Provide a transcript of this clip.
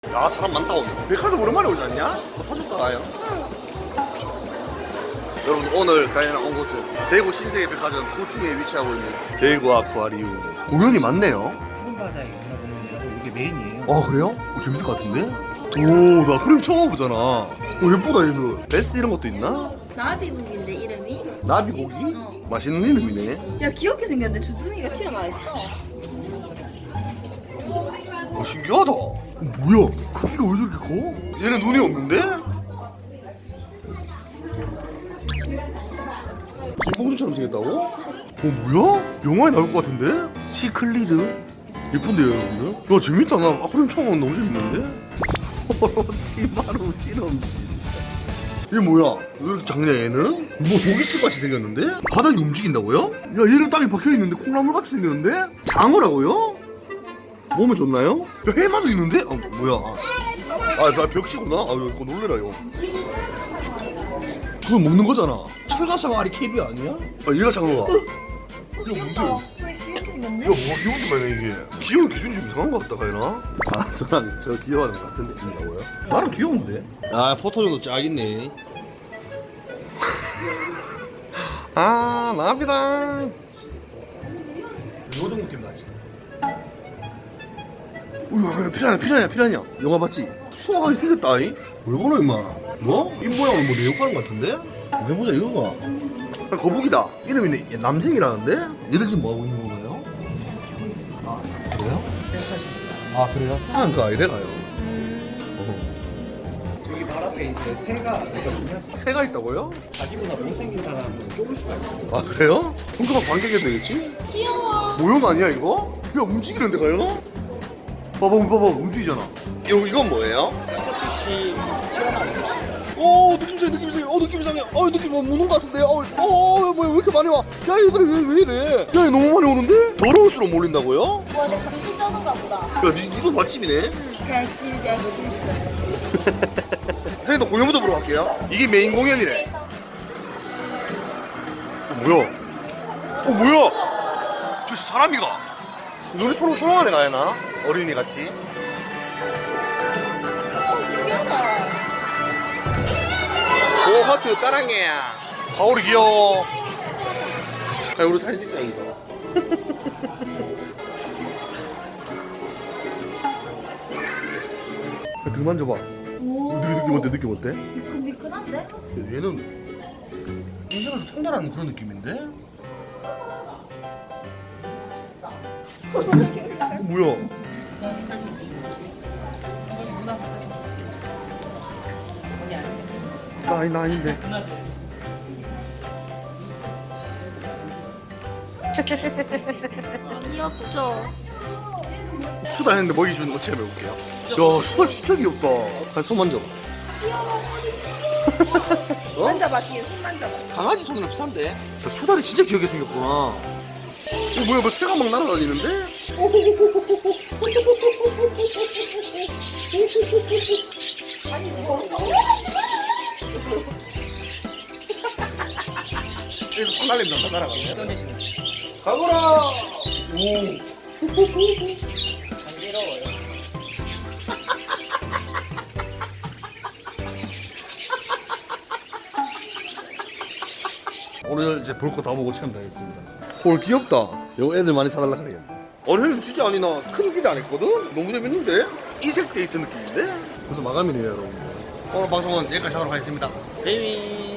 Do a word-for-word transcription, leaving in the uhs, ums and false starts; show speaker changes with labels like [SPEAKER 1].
[SPEAKER 1] 야 사람 많다 오늘. 백화점 오랜만에 오지 않냐? 뭐 사줄까 가요?
[SPEAKER 2] 응.
[SPEAKER 1] 여러분 오늘 가야 온 곳은 대구 신세계 백화점 구층에 위치하고 있는 대구 아쿠아리움. 공연이 많네요.
[SPEAKER 3] 푸른 바다에 있나 보면 이게 메인이에요.
[SPEAKER 1] 아 그래요? 오, 재밌을 것 같은데? 오 나 아쿠아리움 처음 와보잖아. 오 예쁘다 얘도. 베스 이런 것도 있나?
[SPEAKER 2] 나비국인데 이름이?
[SPEAKER 1] 나비고기?
[SPEAKER 2] 어.
[SPEAKER 1] 맛있는 이름이네.
[SPEAKER 2] 야 귀엽게 생겼는데 주둥이가 튀어나와 있어.
[SPEAKER 1] 오 신기하다. 어, 뭐야 크기가 왜 저렇게 커? 얘는 눈이 없는데? 김봉준처럼 생겼다고? 어 뭐야? 영화에 나올 것 같은데? 시클리드? 예쁜데요 여러분들? 야 재밌다. 나 아쿠아리움 처음 오면 너무 재밌는데? 오로치마루 실험실. 얘 뭐야? 왜 이렇게 작냐 얘는? 뭐 도기스같이 생겼는데? 바닥이 움직인다고요? 야 얘는 땅에 박혀있는데 콩나물같이 생겼는데? 장어라고요? 몸에 좋나요? 야 해마도 있는데? 아 뭐야? 아 벽지구나? 아 이거 놀래라 이거. 그건 먹는 거잖아. 철갑상아리 캡이 아니야? 아 얘가 장어가. 이거 뭔데?
[SPEAKER 2] 왜 귀엽게 생겼네?
[SPEAKER 1] 야 뭐가 귀여운데 가이나 이게. 귀여운 기준이 좀 이상한 것 같다 가이나? 아 저랑 저 귀여워하는 것 같은 느낌이라고요? 나는 귀여운데. 아 포토존도 쫙 있네. 아 나비다. 요정 느낌 나지? 우와 피라냐 피라냐 피라냐. 영화 봤지? 수학하게 생겼다 이. 왜 그러 임마. 뭐? 이 모양은 뭐 내욕하는 것 같은데? 해보자 이거가. 아, 거북이다. 이름이 얘 남생이라는데? 얘들 지금 뭐하고 있는 건가요? 아 그래요? 아 그래요? 하는 거 아니래 가요.
[SPEAKER 3] 여기 발 앞에 이제 새가 있거든요.
[SPEAKER 1] 새가 있다고요?
[SPEAKER 3] 자기보다 못생긴 사람은 좁을 수가 있어요.
[SPEAKER 1] 아 그래요? 평소가 관객이 되겠지?
[SPEAKER 2] 귀여워.
[SPEAKER 1] 모형 아니야 이거? 야 움직이는데 가요? 봐봐 봐봐 움직이잖아. 이거 이건 뭐예요?
[SPEAKER 3] 빛이 튀어나오는 거죠.
[SPEAKER 1] 오 느낌 이상해 느낌 이상해. 어 느낌 이상해. 어 느낌 뭐 무는 것 같은데. 어, 어, 어 뭐야 왜 이렇게 많이 와? 야 얘들아 왜, 왜 이래? 야 얘 너무 많이 오는데? 더러울수록 몰린다고요?
[SPEAKER 2] 와, 내 감시 전화가 보다.
[SPEAKER 1] 야 니, 니도 맛집이네.
[SPEAKER 2] 응. 대질 대질.
[SPEAKER 1] 형님도 공연부터 보러 갈게요. 이게 메인 공연이래. 어, 뭐야? 어 뭐야? 저 사람이가. 눈이 초롱초롱한 애가 하나? 어린이 같이.
[SPEAKER 2] 어 신기하다.
[SPEAKER 1] 오 하트 따랑해야. 가오리 귀여워. 아 우리 사진 찍자 여기서. 등 만져봐.
[SPEAKER 2] 오.
[SPEAKER 1] 느낌 어때? 느낌 어때?
[SPEAKER 2] 미끈미끈한데?
[SPEAKER 1] 얘는 인생에서 통달하는 그런 느낌인데? 어, 뭐야? 나 아니 나 아닌데.
[SPEAKER 2] 귀엽죠?
[SPEAKER 1] 수다 했는데 먹이 주는 거 체험 해볼게요. 야 수달 진짜 귀엽다. 한 손 만져봐. 어?
[SPEAKER 2] 만져봐 뒤에 손 만져봐.
[SPEAKER 1] 강아지 손이랑 비싼데? 야, 수달이 진짜 귀엽게 생겼구나. 어 뭐야 뭐 새가 막 날아다니는데?
[SPEAKER 2] 아니 이거
[SPEAKER 1] 그래서 화날린다 날아가네. 가거라. 오.
[SPEAKER 3] 간지러워요.
[SPEAKER 1] 오늘 이제 볼 거 다 보고 체험 다 했습니다. 헐 귀엽다. 이거 애들 많이 사달라 하겠네. 아니 형님 진짜 아니 나 큰 기대 안 했거든? 너무 재밌는데? 이색 데이트 느낌인데? 벌써 마감이네요 여러분. 오늘 방송은 여기까지 하도록 하겠습니다. 베이비.